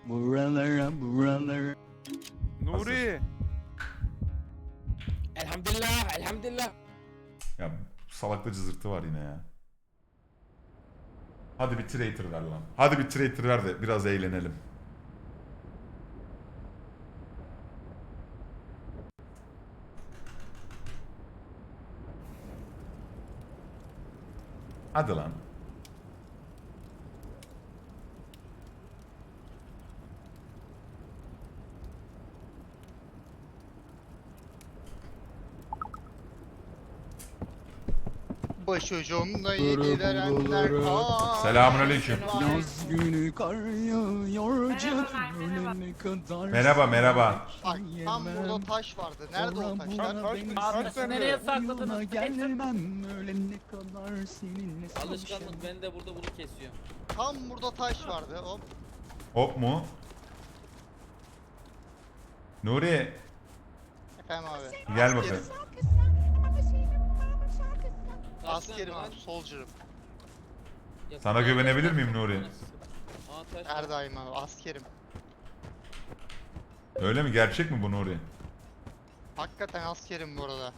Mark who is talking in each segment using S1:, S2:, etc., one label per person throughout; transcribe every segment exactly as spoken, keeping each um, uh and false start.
S1: Buralara buralara.
S2: Nuri.
S3: Elhamdülillah, elhamdülillah.
S4: Ya salakta cızırtı var yine ya. Hadi bir traitor ver lan. Hadi bir traitor ver de biraz eğlenelim. Hadi lan.
S5: Başucumda yedirenler aa.
S4: Selamünaleyküm.
S1: Yaz günü kar yağıyor canım ölene kadar.
S4: Merhaba, merhaba.
S5: Bak tam burada taş vardı. Nerede o taş?
S2: Taş, taş,
S1: Abi
S2: taş
S1: sen
S2: nerede?
S1: nereye sakladın? Gelmem ölene kadar seninle
S3: Alışkanlık, ben de burada bunu kesiyorum.
S5: Tam burada taş vardı. Hop.
S4: Hop mu? Nuri
S5: Efendim abi.
S4: gel bakayım.
S5: Askerim abi. Soldier'ım.
S4: Sana güvenebilir miyim Nuri?
S3: Aa, taş
S5: Her
S3: var.
S5: daim abi. Askerim.
S4: Öyle mi? Gerçek mi bu Nuri?
S5: Hakikaten askerim bu arada.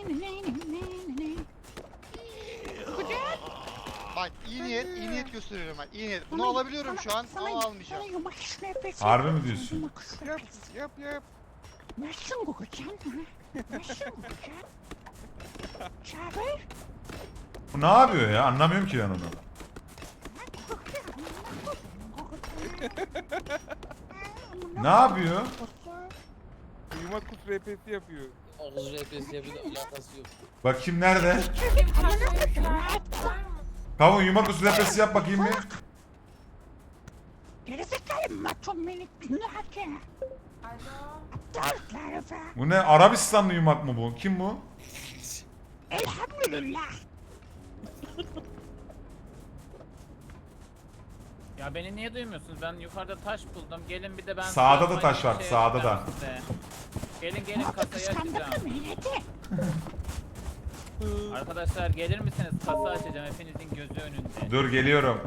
S5: Bak iyi niyet, iyi niyet gösteriyorum ben. İyi niyet. Bunu alabiliyorum şu an ama almayacağım.
S4: Harbi mi diyorsun?
S2: Yap yap yap.
S6: Nasılsın kokucan? Nasılsın kokucan? Çağır.
S4: Bu ne yapıyor ya? Anlamıyorum ki ben onu. Ne yapıyor?
S2: Uyumak kut R P S yapıyor.
S3: Ağız R P S'ye bir de alakası yok.
S4: Bakayım nerede? Kavun yumak usulü yapısı yap bakayım bir.
S6: Gerizekalı maço minik günahkı. Aptal herife.
S4: Bu ne? Arabistanlı yumak mı bu? Kim bu?
S6: Elhamdülillah.
S7: Ya beni niye duymuyorsunuz? Ben yukarıda taş buldum. Gelin bir de ben...
S4: Sağda da
S7: size
S4: taş var,
S7: şey
S4: sağda da.
S7: yapacağım size. Gelin gelin kasayı
S6: Kıskandın
S7: açacağım.
S6: mı milleti?
S7: Arkadaşlar gelir misiniz? Kasa açacağım hepinizin gözü önünde.
S4: Dur geliyorum.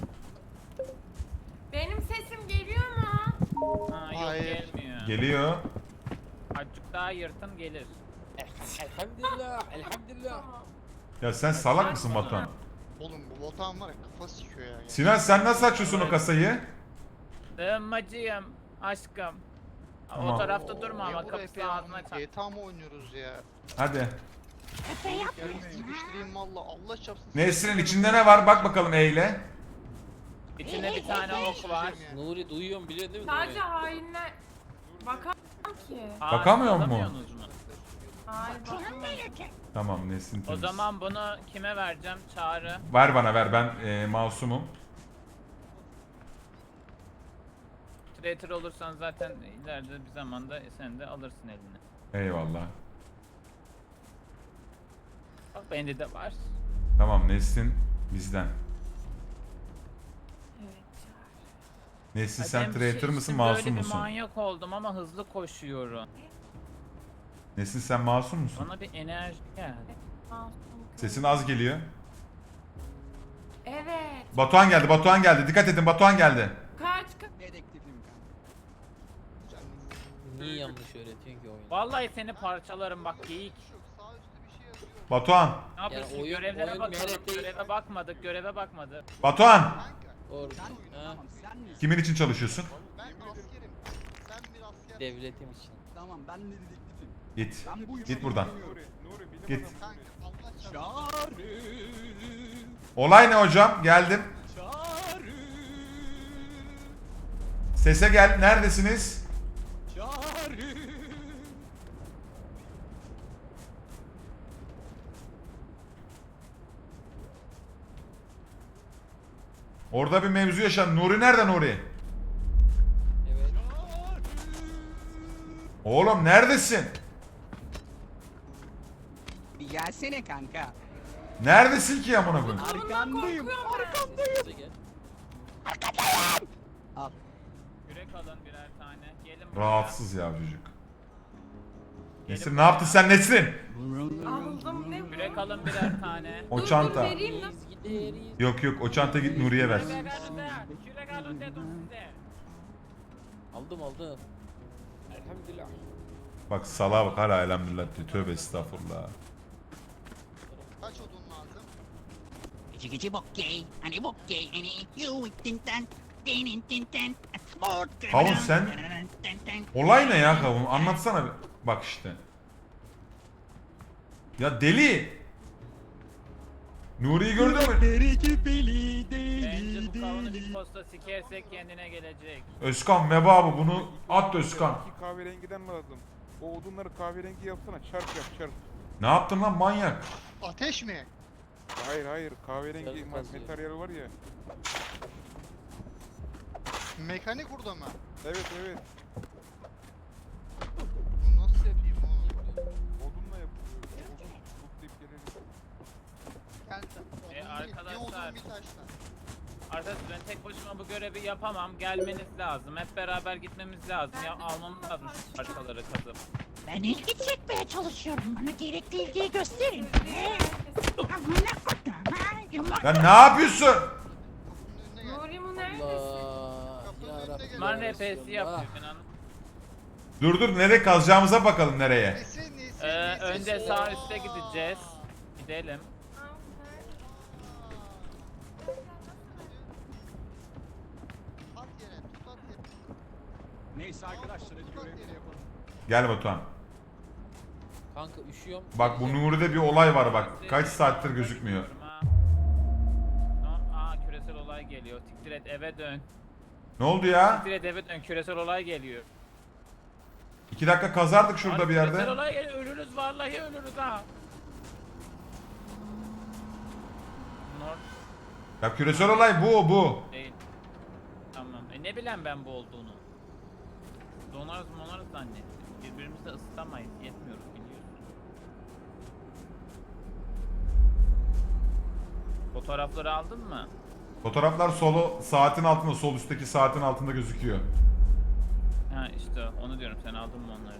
S8: Benim sesim geliyor mu?
S7: Ha yok
S5: Hayır.
S7: gelmiyor.
S4: Geliyor.
S7: Azıcık daha yırtın gelir.
S3: Elhamdülillah, elhamdülillah.
S4: Ya sen salak mısın Batuhan?
S5: Oğlum bu botan var ya kafa sikiyor ya.
S4: Sinan sen nasıl açıyorsun o kasayı?
S7: Sığınmacıyım aşkım.
S4: Tamam.
S7: O tarafta durma
S5: Niye
S7: ama
S5: buraya
S7: kapıyı ağzına çak.
S5: G T A mı oynuyoruz ya?
S4: Hadi.
S6: Efe yapmıyorsun ha.
S5: Sıkıştırayım valla Allah çapsın.
S4: Nesrin içinde ne var? Bak bakalım eyle.
S7: İçinde bir tane ok var.
S3: Nuri duyuyorum, biliyorsun değil mi
S8: Sadece
S3: Nuri?
S8: hainler... Bakamam ki.
S7: Aa,
S4: Bakamıyor mu?
S7: alamıyorsunuz mu?
S8: Hayır
S6: Canım
S8: bakamam.
S6: milleti.
S4: Tamam Nesrin
S7: O
S4: temiz.
S7: zaman bunu kime vereceğim? Çağrı.
S4: Ver bana ver ben e, masumum.
S7: Traitor olursan zaten ileride bir zamanda sen de alırsın eline.
S4: Eyvallah.
S7: Bak bende de var.
S4: Tamam Nesrin bizden.
S8: Evet.
S4: Nesrin
S7: Ay,
S4: sen
S7: ben bir
S4: traitor
S7: şey
S4: mısın
S7: içtim,
S4: masum
S7: böyle bir
S4: musun?
S7: manyak oldum ama hızlı koşuyorum.
S4: Nesrin sen masum musun?
S7: Bana bir enerji geldi.
S8: Masum.
S4: Sesin az geliyor.
S8: Evet.
S4: Batuhan geldi Batuhan geldi. Dikkat edin Batuhan geldi.
S8: Kaç kaç.
S3: Niye yanlış öğretiyorsun ki oyunu?
S7: Vallahi seni parçalarım bak geyik.
S5: Sağ üstte bir şey yazıyor.
S4: Batuhan.
S7: Ne yapıyorsun?
S3: oyun-
S7: Görevlere
S3: oyun
S7: bakalım.
S3: merak değil.
S7: Göreve bakmadık. Göreve bakmadık.
S4: Batuhan.
S5: Kanka
S3: Doğru. Ha,
S4: Kimin için çalışıyorsun?
S5: ben askerim. Sen bir asker.
S3: devletim için.
S1: Tamam ben de dedektifim.
S4: Git.
S1: Ben bu
S4: Git buradan.
S2: Nuri, Nuri bilim
S4: Git.
S2: adamı
S5: Kanka
S2: Nuri.
S5: Allah çapsın.
S1: Çağrı.
S4: Olay ne hocam? Geldim.
S1: Çağrı.
S4: Sese gel. Neredesiniz?
S1: Çağrı.
S4: Orada bir mevzu yaşandı. Nuri nerede Nuri?
S3: Evet.
S4: Oğlum neredesin?
S1: Bir gelsene kanka.
S4: Neredesin ki amına koyayım?
S1: Arkandayım.
S3: Size gel.
S1: Al.
S7: Yürek alın birer tane. Gelin buraya.
S4: Rahatsız ya çocuk. Nesrin ne yaptın sen Nesrin?
S8: Aldım ne bu?
S7: Yürek alın birer tane.
S4: O
S8: Dur, dur,
S4: çanta.
S8: vereyim mi?
S3: Biz gideriz.
S4: Yok yok o çanta git Nuri'ye ver.
S7: Yürek alın de. Yürek alın dedim size.
S3: Aldım aldım. Elhamdülillah.
S4: Bak salağa bak hala elhamdülillah diyor. Tövbe estağfurullah.
S5: Kaç odun lazım?
S6: Gıcı gıcı bokkey. Hani bokkey. Hani you tinten. Tinin tinten. Sport.
S4: Kavun sen- Olay ne ya kavun? Anlatsana bir. Bak işte. Ya deli. Nuri'yi gördün mü?
S1: Deli gibili
S7: Bence
S1: deli
S7: bu kavunu bir
S1: deli.
S7: posta sikersek kendine gelecek.
S4: Özkan Meba bu bunu at Özkan.
S2: İki kahverengiden lazım. O odunları kahverengi yapsana. Çarp yap çarp.
S4: Ne yaptın lan manyak?
S5: Ateş mi?
S2: Hayır hayır kahverengi
S3: Sarı
S2: ma-
S3: kazıyor.
S2: materyal var ya.
S5: Mekanik burada mı?
S2: Evet evet.
S5: Bunu nasıl yapayım oğlum?
S2: Odunla yapılıyor. Odun toplayıp gelelim.
S5: Gel
S7: E,
S5: odun değil, bir
S7: arkadaşlar.
S5: odun bir taşla.
S7: Arkadaşlar ben tek başıma bu görevi yapamam. Gelmeniz lazım. Hep beraber gitmemiz lazım. Ya almamız lazım şu parçaları kazıp.
S6: Ben ilgi çekmeye çalışıyorum. Bana gerekli ilgiyi gösterin. Ne? Amına kodum ha. Yumurta.
S4: Ya ne yapıyorsun?
S5: Kapının önüne gel.
S8: Nuri mu neredesin?
S3: Allah.
S5: Kapının
S3: Ya
S5: önüne
S3: Rabbim.
S5: gel.
S7: Man
S3: ya
S7: R P S
S3: Resulallah.
S7: yapıyor ben anladım.
S4: Dur dur nereye kazacağımıza bakalım nereye.
S5: Nesi nesi
S7: Ee,
S5: nesi?
S7: önce sağ üste gideceğiz. Gidelim.
S5: At yere, tut at yere.
S1: Neyse arkadaşlar hadi görevleri yapalım.
S4: Gel Batuhan.
S3: Kanka üşüyorum.
S4: Bak bu Nuri'de bir olay var bak. Kaç saattir gözükmüyor.
S7: Ha. No, aa küresel olay geliyor. Siktir et eve dön.
S4: Ne oldu ya?
S7: Siktir et eve dön. Küresel olay geliyor.
S4: İki dakika kazardık şurada
S7: Abi
S4: bir
S7: Küresel
S4: yerde.
S7: olay geliyor. Ölürüz vallahi ölürüz ha. North
S4: Ya küresel olay bu bu.
S7: değil. Tamam. E ne bileyim ben bu olduğunu. Donarız monarız zannettim. Birbirimizi ısıtamayız. Yetmiyoruz biliyorsun. Fotoğrafları aldın mı?
S4: Fotoğraflar solo saatin altında, sol üstteki saatin altında gözüküyor.
S7: Ha işte onu diyorum. Sen aldın mı onları?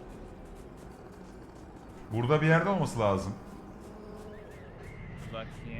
S4: Burada bir yerde olması lazım.
S7: Dur bakayım.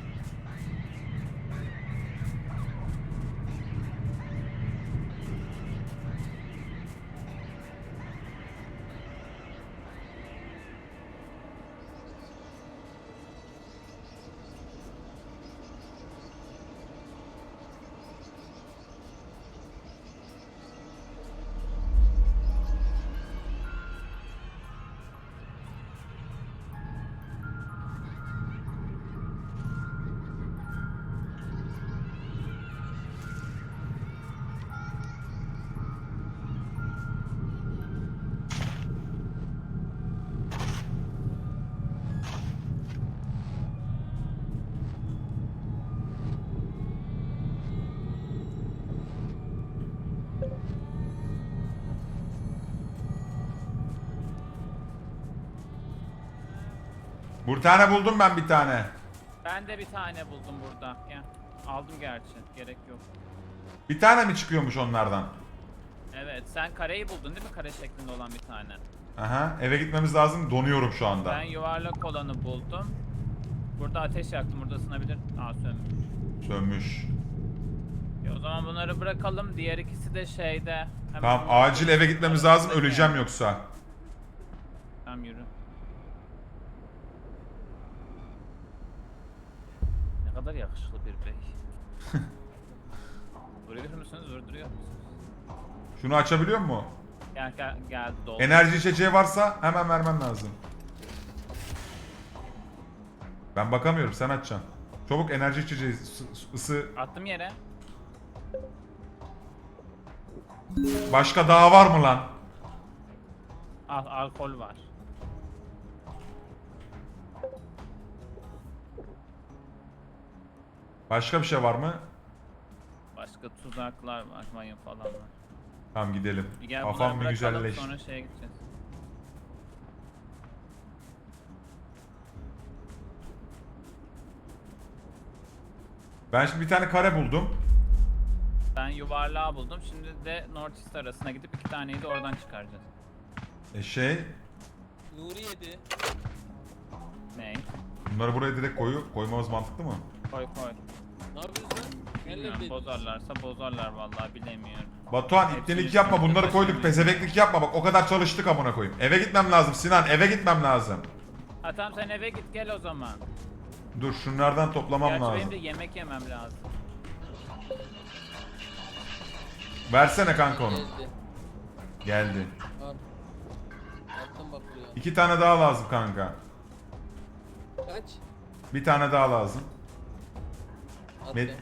S4: Bir tane buldum ben bir tane.
S7: Ben de bir tane buldum burada. Gel. Aldım gerçi. Gerek yok.
S4: Bir tane mi çıkıyormuş onlardan?
S7: Evet. Sen kareyi buldun değil mi? Kare şeklinde olan bir tane.
S4: Aha eve gitmemiz lazım. Donuyorum şu anda.
S7: Ben yuvarlak olanı buldum. Burada ateş yaktım. Burada ısınabilir. Aa sönmüş.
S4: Sönmüş.
S7: Ya, o zaman bunları bırakalım. Diğer ikisi de şeyde. Hemen
S4: Tamam
S7: bunları-
S4: acil eve gitmemiz lazım. Öleceğim yoksa.
S7: Tamam yürü. Ne kadar yakışıklı bir bey. Vuruyor musunuz? Vurduruyor musunuz?
S4: Şunu açabiliyor mu?
S7: Gel gel gel dol.
S4: Enerji içeceği varsa hemen vermem lazım. Ben bakamıyorum sen açacaksın. Çabuk enerji içeceği ısı, ısı.
S7: Attım yere.
S4: Başka daha var mı lan?
S7: Al alkol var.
S4: Başka bir şey var mı?
S7: Başka tuzaklar var, mayın falan var.
S4: Tamam gidelim.
S7: Bir gel
S4: Kafam
S7: bunları
S4: bir
S7: bırakalım
S4: güzelleşti.
S7: sonra şeye gideceğiz.
S4: Ben şimdi bir tane kare buldum.
S7: Ben yuvarlağı buldum. Şimdi de North East arasına gidip iki taneyi de oradan çıkaracağız.
S4: E şey,
S3: Nuri yedi.
S7: Ne?
S4: bunları buraya direkt koyu koymamız mantıklı mı?
S7: Koy koy.
S3: Ne yapıyorsun lan?
S7: Bilmiyorum,
S3: dediniz?
S7: bozarlarsa bozarlar vallahi bilemiyorum.
S4: Batuhan
S7: Hepsini
S4: ipnelik yapma,
S7: üstümüzde
S4: bunları koyduk,
S7: taşıyamayız.
S4: pezeveklik yapma, bak o kadar çalıştık amına koyayım. Eve gitmem lazım Sinan, eve gitmem lazım.
S7: Ha tamam sen eve git gel o zaman.
S4: Dur şunlardan toplamam
S7: Gerçi
S4: lazım.
S7: benim de yemek yemem lazım.
S4: Versene kanka onu.
S3: Geldi.
S4: Geldi.
S3: Al. Attım bak buraya.
S4: İki tane daha lazım kanka.
S3: Kaç?
S4: Bir tane daha lazım.
S3: Attım.
S4: Med-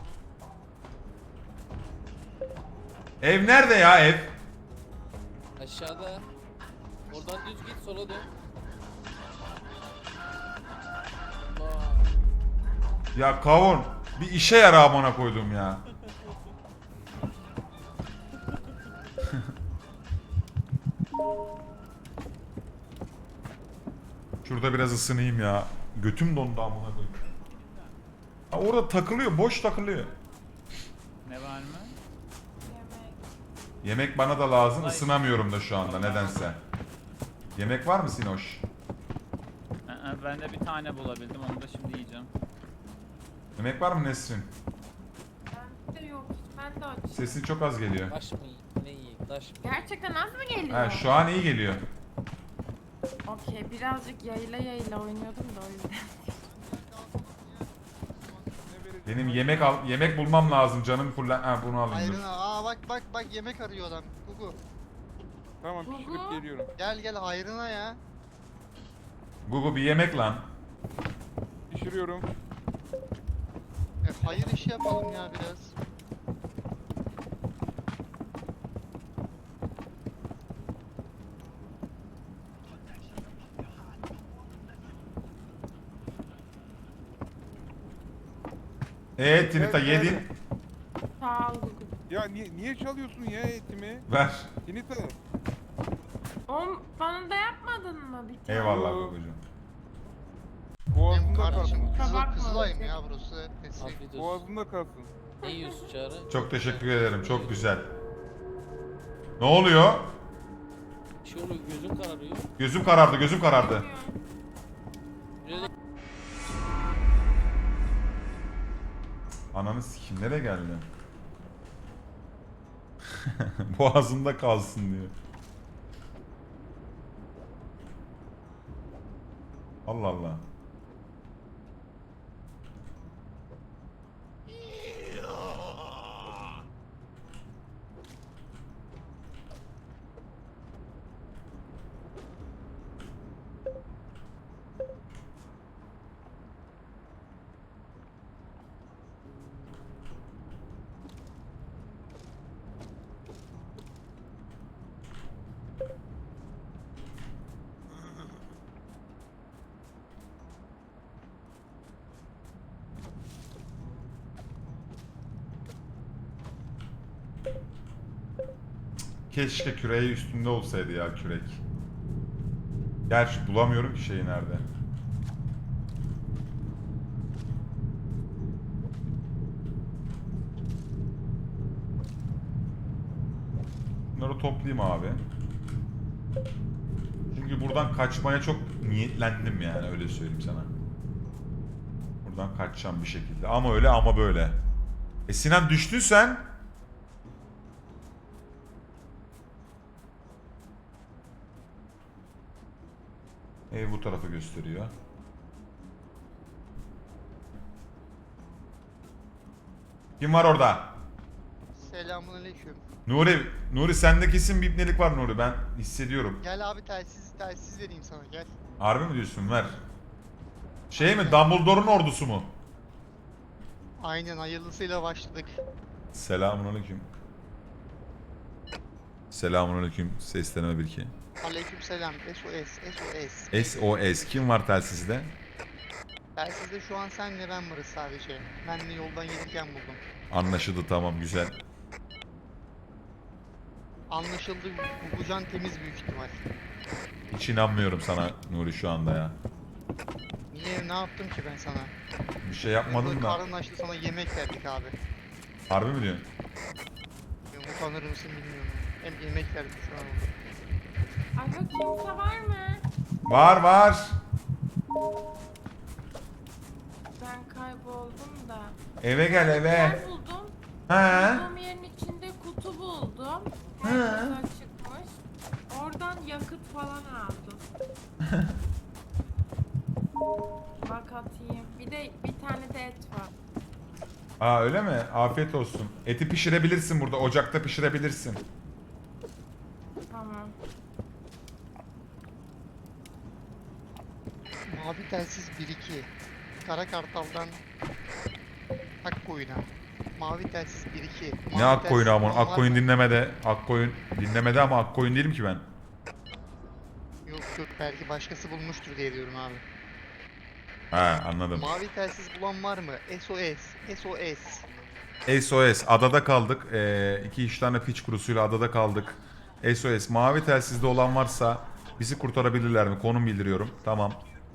S4: Ev nerede ya ev?
S3: Aşağıda. Oradan düz git sola dön. Allah.
S4: Ya kavun bir işe yara amına koydum ya. Şurada biraz ısınayım ya. Götüm dondu amına koyayım. Ha, orada takılıyor, boş takılıyor.
S7: Ne var mı?
S8: Yemek.
S4: Yemek bana da lazım,
S7: Ay.
S4: ısınamıyorum da şu anda nedense. Yemek var mı Sinoş?
S7: Aa, ben de bir tane bulabildim onu da şimdi yiyeceğim.
S4: Yemek var mı Nesrin?
S8: Ben de yok hiç. Ben de açım.
S4: Sesin çok az geliyor.
S3: Taş mı yiyeyim? Ne yiyeyim? Taş mı?
S8: Gerçekten az mı geliyor?
S4: Ha, şu an iyi geliyor.
S8: Okey birazcık yayla yayla oynuyordum da o yüzden.
S4: Benim yemek al yemek bulmam lazım canım fullen. Ha bunu alayım dur.
S5: Hayrına. Aa bak bak bak yemek arıyor adam. Gugu.
S2: Tamam pişirip
S8: Gugu.
S2: geliyorum.
S5: Gel gel hayrına ya.
S4: Gugu bir yemek lan.
S2: Pişiriyorum.
S5: E, hayır işi yapalım ya biraz.
S4: Eee Tinita
S2: Evet,
S4: yedin.
S2: evet.
S8: Sağ ol Google.
S2: Ya niye, niye çalıyorsun ya etimi?
S4: Ver.
S2: Tinita.
S8: Oğlum bana da yapmadın mı bir tane?
S4: Eyvallah Gugucuğum.
S5: Benim
S2: Boğazında
S5: kardeşim
S2: kalsın.
S5: Kızıl,
S8: Bakma
S5: Kızılay'ım
S8: olacak.
S5: ya burası. Eski.
S3: Afiyet olsun.
S2: Boğazında kalsın.
S3: Ne yiyorsun Çağrı?
S4: Çok teşekkür ederim. Çok güzel. Ne oluyor?
S3: Bir şey oluyor, gözüm kararıyor.
S4: Gözüm karardı, gözüm karardı.
S3: Böyle
S4: Ananı sikim nereye geldi? Boğazımda kalsın diyor. Allah Allah. Keşke küreği üstünde olsaydı ya kürek. Gerçi bulamıyorum ki şeyi nerede. Bunları toplayayım abi. Çünkü buradan kaçmaya çok niyetlendim yani öyle söyleyeyim sana. Buradan kaçacağım bir şekilde. Ama öyle ama böyle. E Sinan düştün sen. Ev bu tarafı gösteriyor. Kim var orada?
S5: Selamünaleyküm.
S4: Nuri, Nuri sende kesin bir ipnelik var Nuri. Ben hissediyorum.
S5: Gel abi telsiz telsiz vereyim sana gel.
S4: Harbi mi diyorsun? Ver. Şey mi? Dumbledore'un ordusu mu?
S5: Aynen hayırlısıyla başladık.
S4: Selamünaleyküm. Selamünaleyküm. Seslenme bir iki.
S5: Aleykümselam. S O S S O S.
S4: S O S. Kim var telsizde?
S5: Telsizde şu an senle ben varız sadece. Ben de yoldan gelirken buldum.
S4: Anlaşıldı, tamam, güzel.
S5: Anlaşıldı. Gugucan temiz büyük ihtimal.
S4: Hiç inanmıyorum sana Nuri şu anda ya.
S5: Niye ne yaptım ki ben sana?
S4: Bir şey yapmadın
S5: Böyle
S4: da.
S5: karnın açtı sana yemek verdik abi.
S4: Harbi mi diyorsun?
S5: Ya, utanır mısın bilmiyorum. Hem yemek verdik sana.
S8: Alo kimse var mı?
S4: Var var.
S8: Ben kayboldum da.
S4: Eve gel eve.
S8: Yer buldum.
S4: He.
S8: Bulduğum yerin içinde kutu buldum.
S4: He.
S8: Herkes açıkmış. Oradan yakıt falan aldım. Bak atayım. Bir de bir tane de et var.
S4: Aa öyle mi? Afiyet olsun. Eti pişirebilirsin burada. Ocakta pişirebilirsin.
S8: Tamam.
S5: Mavi telsiz bir iki. Kara Kartal'dan Akkoyun'a. Mavi telsiz bir iki.
S4: Ne Akkoyun'u amon? Akkoyun dinlemede. Akkoyun dinlemede ama Akkoyun değilim ki ben.
S5: Yok yok, belki başkası bulmuştur diye diyorum abi.
S4: Ha anladım.
S5: Mavi telsiz bulan var mı? S O S. S O S.
S4: S O S. Adada kaldık. Ee, iki üç tane piç kurusuyla adada kaldık. S O S. Mavi telsizde olan varsa bizi kurtarabilirler mi? Konum bildiriyorum. Tamam.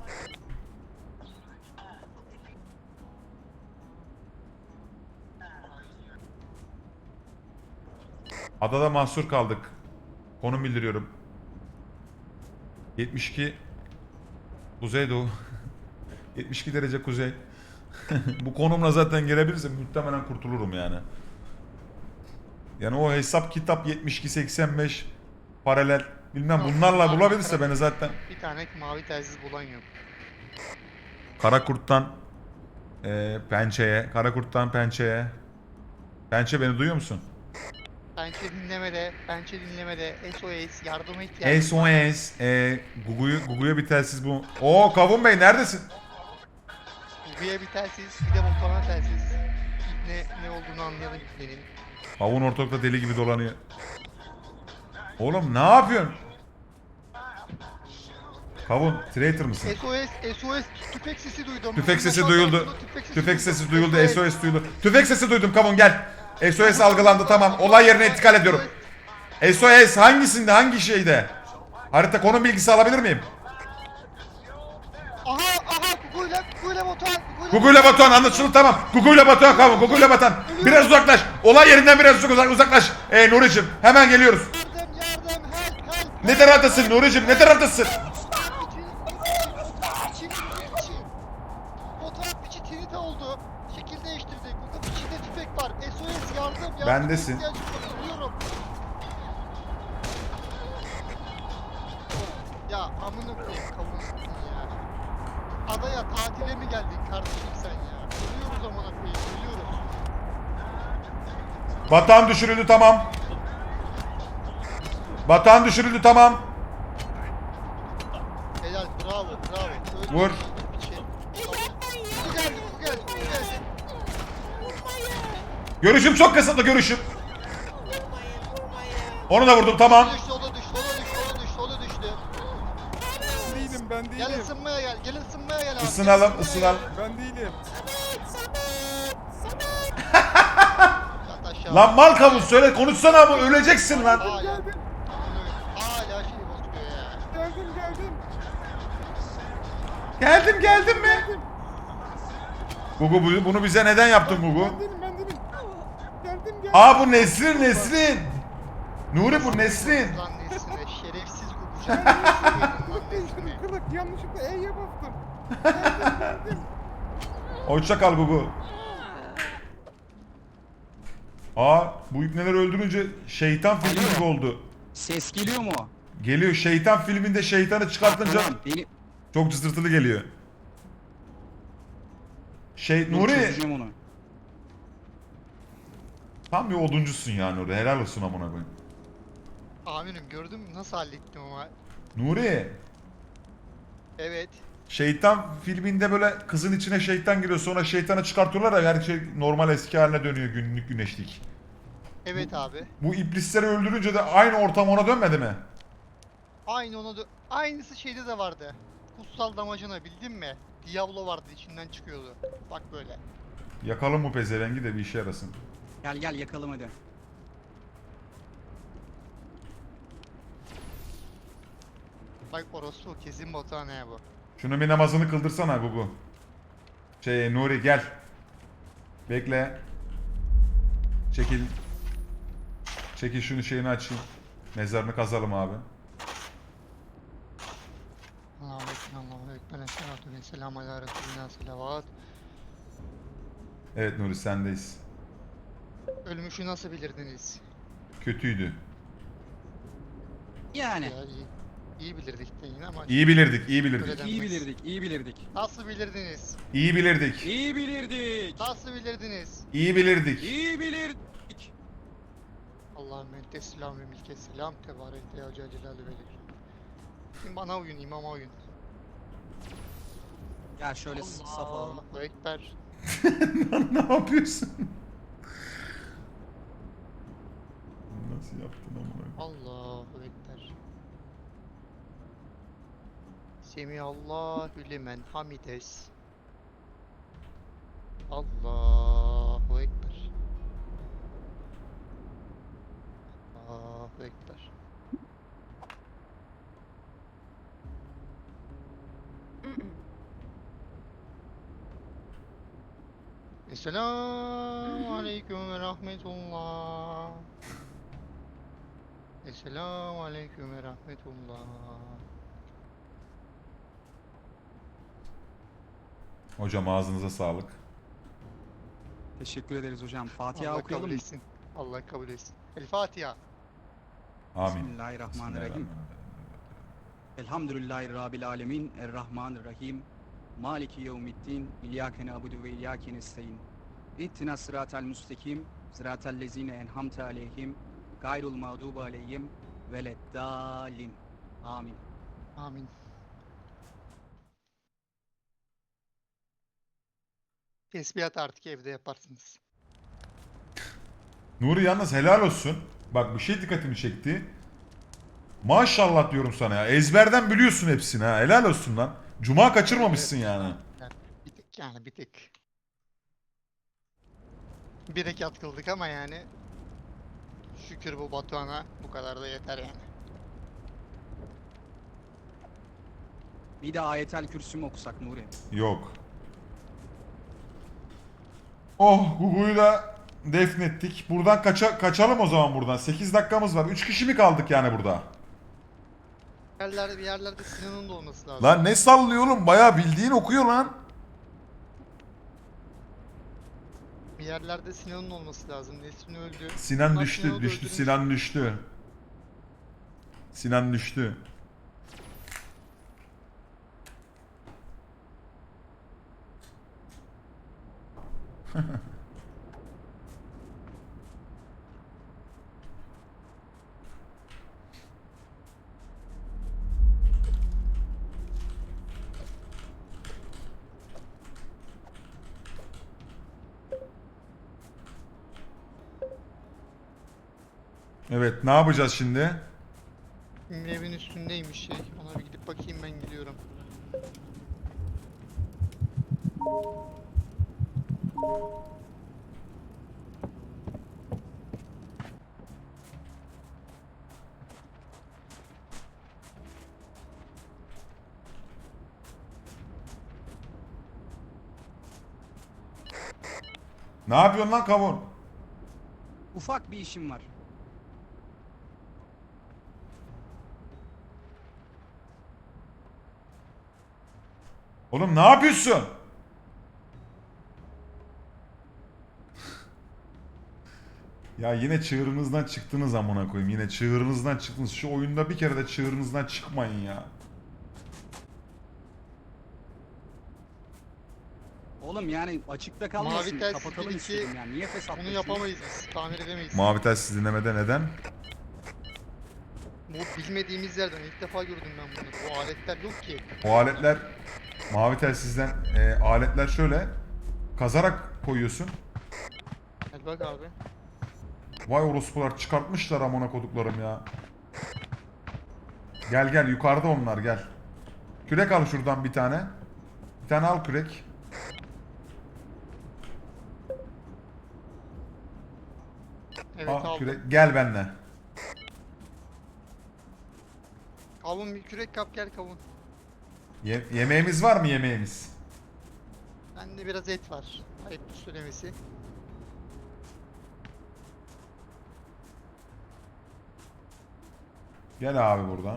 S4: Adada mahsur kaldık. Konum bildiriyorum. yetmiş iki Kuzeydoğu. yetmiş iki derece kuzey. Bu konumla zaten gelebilirsem muhtemelen kurtulurum yani. Yani o hesap kitap yetmiş iki seksen beş paralel bilmem bunlarla bulabilirse beni zaten.
S5: Bir tane mavi telsiz bulan yok.
S4: Karakurt'tan e, Pençe'ye, Karakurt'tan Pençe'ye. Pençe beni duyuyor musun?
S5: Pençe dinlemede, pençe dinlemede, S O S, yardıma ihtiyacım
S4: S O
S5: var.
S4: S, e, Gugu'yu, Gugu'ya bir telsiz bu. Oo Kavun Bey neredesin?
S5: Gugu'ya bir telsiz, bir de Volkan'a telsiz. Ne, ne olduğunu anlayalım benim.
S4: Kavun ortalıkta deli gibi dolanıyor. Oğlum ne yapıyorsun? Kavun, traitor mısın?
S5: S O S, S O S, tüfek sesi duydum.
S4: Tüfek sesi
S5: Aşağıdan
S4: duyuldu.
S5: duydum, tüfek sesi
S4: Tüfek
S5: duydum.
S4: sesi duyuldu, S O S duyuldu. Tüfek sesi duydum Kavun gel. S O S algılandı tamam. Olay yerine intikal ediyorum. S O S hangisinde, hangi şeyde? Harita konum bilgisi alabilir miyim?
S5: Aha, aha, Gugu'yla, Gugu'yla Batuhan,
S4: Gugu'yla Batuhan anlaşıldı tamam. Gugu'yla Batuhan Kavun, Gugu'yla Batuhan. Biraz uzaklaş. Olay yerinden biraz uzak, uzaklaş. Ee Nuri'cim hemen geliyoruz.
S5: Yardım, yardım, help, help.
S4: Ne taraftasın Nuri'cim, ne taraftasın?
S5: Fotoğraf piçi Trinita oldu. Şekil değiştirdi. Google piçinde tüfek var. S O S yardım, yardım.
S4: Bendesin.
S5: ihtiyacım var, ölüyorum. Ya amına koyayım kavunusun ya. Adaya tatile mi geldin kardeşim sen ya? Ölüyoruz amına koyayım, ölüyoruz.
S4: Batuhan düşürüldü tamam. Batuhan düşürüldü tamam.
S5: Helal, bravo, bravo. Öldü.
S4: Vur.
S5: Piçi. Bu geldi, bu geldi, bu geldi.
S4: Görüşüm çok kısıtlı görüşüm. Onu da vurdum tamam.
S5: Düştü, o da düştü, o da düştü, o da düştü, o da düştü.
S2: Değilim ben değilim.
S5: Gel ısınmaya gel, gel ısınmaya gel abi.
S4: Isınalım
S5: Gel
S4: ısınalım.
S2: Ben değilim.
S5: Yat aşağı.
S4: Lan mal kamu söyle konuşsana ama öleceksin lan.
S5: Hala, hala şey bozuyor ya.
S2: Geldim geldim.
S4: Geldim geldim mi? Gugu bu- bunu bize neden yaptın Gugu?
S2: Ben değilim ben değilim. Geldim geldim.
S4: Aa bu Nesrin Nesrin. Nuri bu Nesrin.
S5: Lan nesine şerefsiz Gugu. Lan nesine.
S2: Kırık yanlışlıkla E'ye bastım.
S4: Hoşça kal Gugu. Aa bu ipneleri öldürünce şeytan filmi
S1: Alo.
S4: gibi oldu.
S1: Ses geliyor mu?
S4: Geliyor şeytan filminde şeytanı çıkartınca
S1: Tamam beni...
S4: çok cızırtılı geliyor. Şey
S1: Dur,
S4: Nuri
S1: çözeceğim onu.
S4: tam bir oduncusun ya Nuri helal olsun amına koyayım.
S5: Amirim gördün mü nasıl hallettim ama.
S4: Nuri
S5: Evet.
S4: şeytan filminde böyle kızın içine şeytan giriyor sonra şeytanı çıkartıyorlar ya her şey normal eski haline dönüyor günlük güneşlik.
S5: Evet abi.
S4: Bu iblisleri öldürünce de aynı ortam ona dönmedi mi?
S5: Aynı ona dö- aynısı şeyde de vardı. Kutsal damacana bildin mi? Diablo vardı içinden çıkıyordu. Bak böyle.
S4: Yakalım bu pezevengi de bir işe yarasın.
S1: Gel gel yakalım hadi.
S5: Bak orospu kesin Batuhan he bu.
S4: Şunu bir namazını kıldırsana Gugu. Şey Nuri gel. Bekle. Çekil. Çekil şunu şeyini açayım. Mezarını kazalım abi.
S5: Allah'a ekber, Allah'a ekber, esselatu ve selamu ala Resulina selavat.
S4: Evet Nuri sendeyiz.
S5: Ölmüşü nasıl bilirdiniz?
S4: Kötüydü.
S1: Yani.
S5: Ya iyi, iyi bilirdik de yine ama
S4: İyi bilirdik, iyi bilirdik.
S5: Öyle
S1: İyi
S5: denmez.
S1: bilirdik, iyi bilirdik.
S5: Nasıl bilirdiniz?
S4: İyi bilirdik.
S1: İyi bilirdik.
S5: Nasıl bilirdiniz?
S4: İyi bilirdik.
S1: İyi bilirdik.
S5: Allahümme ente selam ve milke selam tebarek ya Celle Celaluhu ve Tekram. Şimdi bana uyun, imama uyun.
S1: Ya şöyle saf alalım.
S5: Allahu Ekber.
S4: Ne yapıyorsun? Nasıl yaptın amına?
S5: Allahu Ekber. Semihallahu limen hamides. Allahu Ekber. Allahu Ekber. Esselamu Aleyküm ve Rahmetullah. Esselamu Aleyküm ve Rahmetullah.
S4: Hocam ağzınıza sağlık.
S1: Teşekkür ederiz hocam. Fatiha
S5: Allah
S1: okuyalım
S5: kabul
S1: mı?
S5: etsin. Allah kabul etsin. El Fatiha.
S4: Amin.
S1: Bismillahirrahmanirrahim. Elhamdülillahi Rabbil alemin. Errahmanirrahim. Maliki yevmiddin. İyyâke na'budu ve iyyâke nestaîn. İhtina sıratal müstakim. Sıratal lezîne enhamte aleyhim. Gayrul mağdubu aleyhim. Veleddâlin. Amin.
S5: Amin. Tesbihat artık evde yaparsınız.
S4: Nuri yalnız helal olsun. Bak bir şey dikkatimi çekti. Maşallah diyorum sana ya. Ezberden biliyorsun hepsini ha. Helal olsun lan. Cuma kaçırmamışsın yani.
S5: Yani bir tek yani bir tek. Bir rekat kıldık ama yani şükür bu Batuhan'a bu kadar da yeter yani.
S1: Bir de ayetel kürsü mü okusak Nuri?
S4: Yok. Oh Gugu'yu da defnettik. Buradan kaça kaçalım o zaman buradan. sekiz dakikamız var. üç kişi mi kaldık yani burada?
S5: Bir yerlerde, bir yerlerde Sinan'ın da olması lazım.
S4: Lan ne sallıyor oğlum? Bayağı bildiğin okuyor lan.
S5: Bir yerlerde Sinan'ın olması lazım. Nesrin öldü.
S4: Sinan
S5: Bunlar
S4: düştü,
S5: Sinan'ı da
S4: düştü,
S5: öldürmüş.
S4: Sinan düştü. Sinan düştü. Evet, ne yapacağız şimdi?
S5: Benim evin üstündeymiş şey. Ona bir gidip bakayım, ben gidiyorum.
S4: Ne yapıyorsun lan kavun?
S1: Ufak bir işim var.
S4: Oğlum ne yapıyorsun? Ya yine çığırınızdan çıktınız amına koyayım. Yine çığırınızdan çıktınız. Şu oyunda bir kere de çığırınızdan çıkmayın ya.
S1: Oğlum yani açıkta kalmasın.
S5: Mavi telsiz
S1: Kapatalım
S5: bir iki,
S1: istedim yani. Niye fesat
S5: Bunu yapamayız biz. Tamir edemeyiz.
S4: Mavi telsiz dinlemede neden?
S5: Bu bilmediğimiz yerden ilk defa gördüm ben bunu. Bu aletler yok ki.
S4: O aletler mavi telsizden e, aletler şöyle kazarak koyuyorsun.
S5: Hadi bak abi.
S4: Vay orospular çıkartmışlar amına koduklarım ya. Gel gel yukarıda onlar gel. Kürek al şuradan bir tane. Bir tane al kürek.
S5: Evet
S4: Al
S5: aldım.
S4: kürek. Gel benimle.
S5: Kavun bir kürek kap, gel kavun.
S4: Ye- yemeğimiz var mı yemeğimiz?
S5: Bende biraz et var. Ayıp söylemesi.
S4: Gel abi buradan.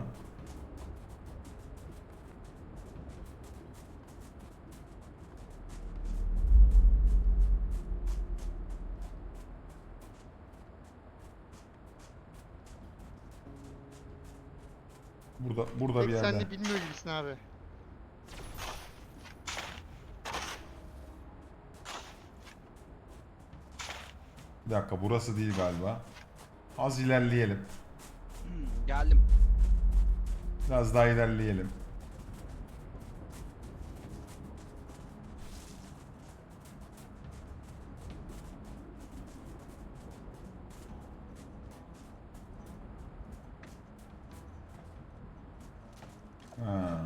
S4: Burada burada bir
S5: Pek
S4: yerde.
S5: sen de bilmiyor gibisin abi.
S4: Bir dakika burası değil galiba. Az ilerleyelim.
S1: Hmm, geldim.
S4: Biraz daha ilerleyelim. Ha.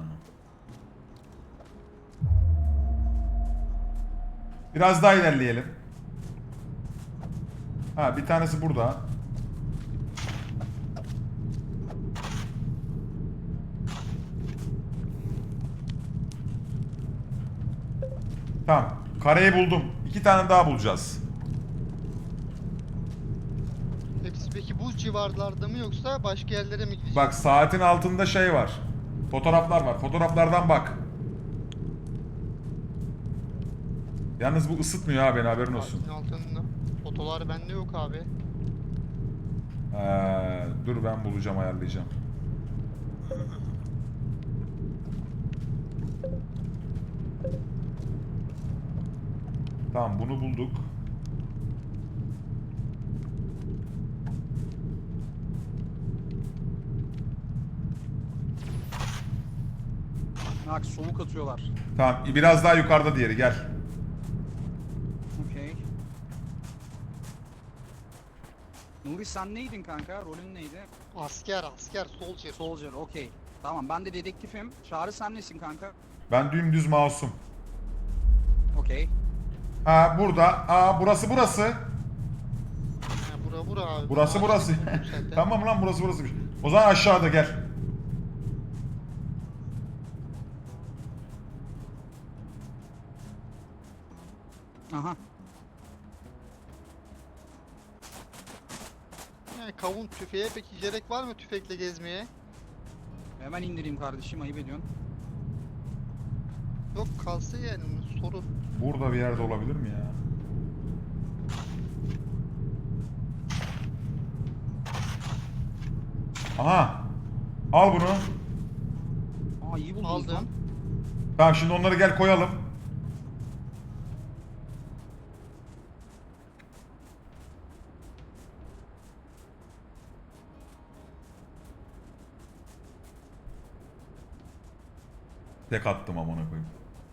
S4: Biraz daha ilerleyelim. Ha bir tanesi burada. Tamam. Kareyi buldum. İki tane daha bulacağız.
S5: Hepsi peki bu civarlarda mı yoksa başka yerlere mi gidecek?
S4: Bak saatin altında şey var. Fotoğraflar var. Fotoğraflardan bak. Yalnız bu ısıtmıyor ha beni, haberin olsun.
S5: Saatin altında. Fotolar bende yok abi.
S4: Ee, dur ben bulacağım, ayarlayacağım. Tamam bunu bulduk.
S1: Bak soğuk atıyorlar.
S4: Tamam biraz daha yukarıda diğeri, gel.
S1: Okey. Nuri sen neydin kanka? Rolün neydi?
S5: Asker asker soldier.
S1: Soldier, okey. Tamam ben de dedektifim. Çağrı sen nesin kanka?
S4: Ben dümdüz masum.
S1: Okey.
S4: Ha burada. Aa burası burası.
S5: Ha, bura bura abi.
S4: Burası
S5: Ağaç
S4: burası.
S5: buldum zaten.
S4: Tamam lan burası burasıymış. O zaman aşağıda gel.
S1: Aha.
S5: Yani kavun tüfeğe peki gerek var mı tüfekle gezmeye?
S1: Hemen indireyim kardeşim, ayıp ediyorsun.
S5: Yok kalsa yani soru.
S4: Burada bir yerde olabilir mi ya? Aha. Al bunu.
S1: Aa iyi buldunuz lan.
S5: Aldım.
S4: Tamam şimdi onları gel koyalım. Tek attım amına koyayım.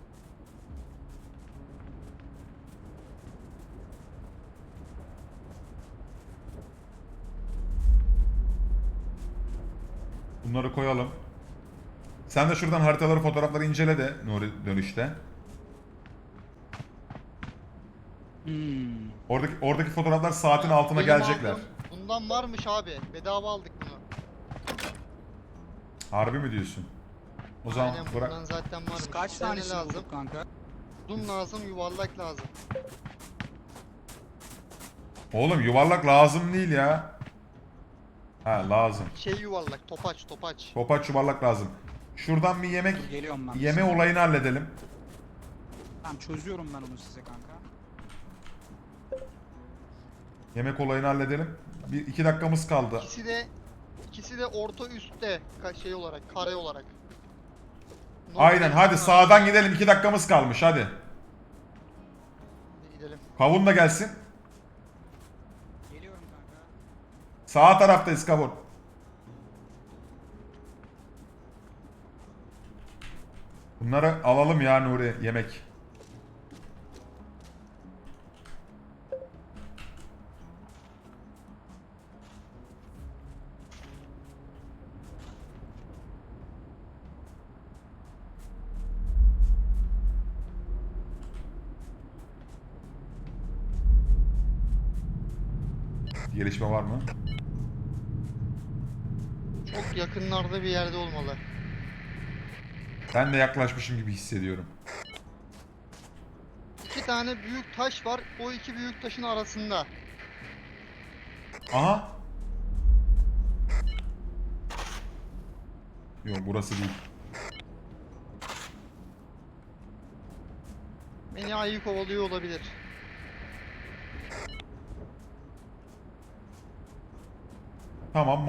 S4: Bunları koyalım. Sen de şuradan haritaları, fotoğrafları incele de Nuri dönüşte.
S1: Hmm.
S4: Oradaki oradaki fotoğraflar saatin altına
S5: Benim
S4: gelecekler.
S5: aldığım bundan varmış abi. Bedava aldık bunu.
S4: Harbi mi diyorsun? O zaman
S5: Aynen
S4: bırak.
S5: bundan zaten varmış.
S1: Biz kaç
S5: Bize ne
S1: tanesini
S5: lazım?
S1: bulduk kanka?
S5: Uzun lazım, yuvarlak lazım.
S4: Oğlum yuvarlak lazım değil ya. Ha lazım.
S5: Şey yuvarlak, topaç, topaç.
S4: Topaç yuvarlak lazım. Şuradan bir yemek
S1: Geliyorum ben.
S4: yeme olayını halledelim.
S1: Tamam çözüyorum ben onu size kanka.
S4: Yemek olayını halledelim. Bir iki dakikamız kaldı.
S5: İkisi de ikisi de orta üstte ka- şey olarak, kare olarak. Normal
S4: Aynen hadi
S5: bunlar.
S4: sağdan gidelim. iki dakikamız kalmış hadi.
S5: Hadi gidelim.
S4: Kavun da gelsin.
S1: Geliyorum kanka.
S4: Sağ taraftayız kavun. Bunları alalım ya Nuri, yemek. Gelişme var mı?
S5: Çok yakınlarda bir yerde olmalı.
S4: Ben de yaklaşmışım gibi hissediyorum.
S5: İki tane büyük taş var. O iki büyük taşın arasında.
S4: Aha. Yok burası değil.
S5: Beni ayı kovalıyor olabilir.
S4: Tamam.